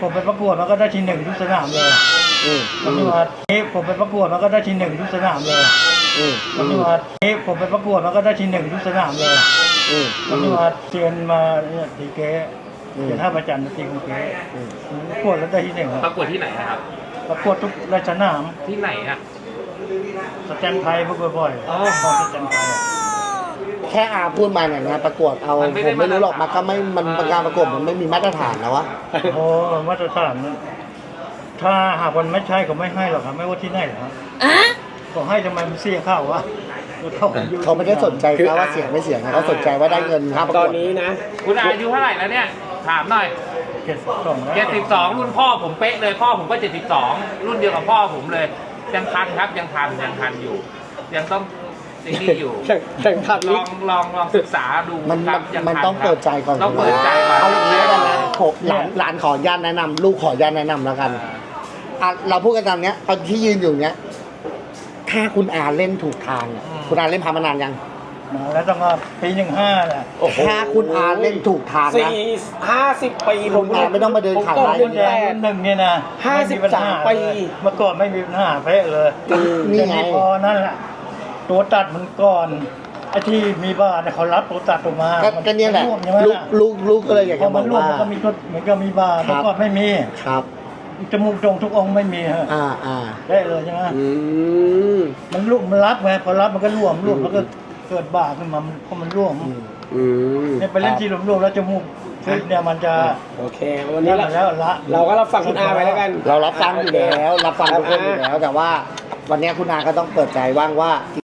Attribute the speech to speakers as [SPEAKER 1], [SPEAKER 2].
[SPEAKER 1] ผมไปประกวดมันก็ได้ที่ 1ทุกสนามเลยมันนี่ว่าผมไปประกวดมันก็ได้ที่ 1ทุกสนามเลยมันนี่ว่าผมไปประกวดมันก็ได้ที่ 1ทุกสนามเลยมันนี่ว่าเชียนมาเนี่ยตีเก๊เดี๋ยวถ้าประจันตีของเก๊ประกวดแล้วได้ที่ 1ครับ
[SPEAKER 2] ประกวดที่ไหนนะครับ
[SPEAKER 1] ประกวดทุกรายสนาม
[SPEAKER 2] ที่ไหนอ่ะ
[SPEAKER 1] สแตนไทยประกวดบ่อยสแตนไทย
[SPEAKER 3] แค่อาพูดมาเนี่ยงานประกวดเอาผมไม่รู้หรอกมันก็ไม่มันการประกวดมันไม่มีมาตรฐานแล้ววะ
[SPEAKER 1] โอ้มาตรฐานถ้าหากมันไม่ใช่ก็ไม่ให้หรอกครับไม่ว่าที่ไหนหรอกครับก็ให้ทำไมมันเสี่ยงข้าววะ
[SPEAKER 3] เขาไม่ได้สนใจนะว่าเสียงไม่เสียงนะเขาสนใจว่าได้เงินค่าประกวด
[SPEAKER 4] ตอนนี้นะ
[SPEAKER 2] คุณอายุเท่าไหร่แล้วเนี่ยถามหน่อย 72รุ่นพ่อผมเป๊ะเลยพ่อผมก็72รุ่นเดียวกับพ่อผมเลยยังทันครับยังทันอยู่ ยังต้องนี่อยู่
[SPEAKER 4] แข่งขัน
[SPEAKER 2] ลองศึกษาดู
[SPEAKER 3] มัน
[SPEAKER 2] ครับยัง
[SPEAKER 3] มัน
[SPEAKER 2] ทั
[SPEAKER 3] ต้องเปิดใจก่อน
[SPEAKER 2] ต้องเปิดใจก่อน
[SPEAKER 3] เอาอย่างนี้แล้วกันนะผมหลานขอญาตแนะนำลูกขอญาตแนะนำแล้วกันเราพูดกันตามเนี้ยตอนที่ยืนอยู่เนี้ยถ้าคุณอาเล่นถูกทางอะคุณอาเล่นพามานานยัง
[SPEAKER 1] แล้วต้องปี15แหละ
[SPEAKER 3] ถ้าคุณอาเล่นถูกทางนะ
[SPEAKER 4] 50 ปี
[SPEAKER 3] คุณอาไม่ต้องมาเดินขาย
[SPEAKER 4] ผม
[SPEAKER 3] ไร่
[SPEAKER 4] เดิน
[SPEAKER 1] แด
[SPEAKER 4] แด
[SPEAKER 1] ง
[SPEAKER 4] ง
[SPEAKER 1] หนึ่งเนี่ยนะ
[SPEAKER 4] 53 ปี
[SPEAKER 1] เมื่อก่อนไม่มีปัญหาเป๊ะเลย
[SPEAKER 3] นี่ไง
[SPEAKER 1] พอนั่นแหละตัวตัดมันก่อนไอ้ที่มีบ้านเนี่ยเขารับตัวตัดออกมา
[SPEAKER 3] ก็เนี่ยแหละ
[SPEAKER 1] ใช่ไหมล่ะ
[SPEAKER 3] ลูกก็เลยอยาก
[SPEAKER 1] พอ
[SPEAKER 3] จะบ
[SPEAKER 1] มั
[SPEAKER 3] อน ก
[SPEAKER 1] ร่วง
[SPEAKER 3] ว่า
[SPEAKER 1] มันก็มีตัวเหมือนกับมีบ้าน
[SPEAKER 3] ครับ
[SPEAKER 1] เมื่อก่อนไม่มี
[SPEAKER 3] ครับ
[SPEAKER 1] จมูกโด่งทุกองค์ไม่มีฮะ
[SPEAKER 3] อ่า
[SPEAKER 1] ได้เลยใช่ไหม
[SPEAKER 4] อืม
[SPEAKER 1] มันร่วงมันรับไงพอรับมันก็ร่วงแล้วก็เกิดบ้าขึ้นมาเพราะมันร่วง
[SPEAKER 4] อืม
[SPEAKER 1] เนี่ยไปเล่นที่ร่วงแล้วจมูกซึเนี่ยมันจะ
[SPEAKER 4] โอเค วันนี้
[SPEAKER 1] แล้วละ
[SPEAKER 4] เราก็รับฟังคุณอาไปแล้วกัน
[SPEAKER 3] เรารับฟังอยู่แล้วรับฟังทุกคนอยู่แล้ว แต่ว่าวันนี้คุณอาก็ต้องเปิดใจว่างว่า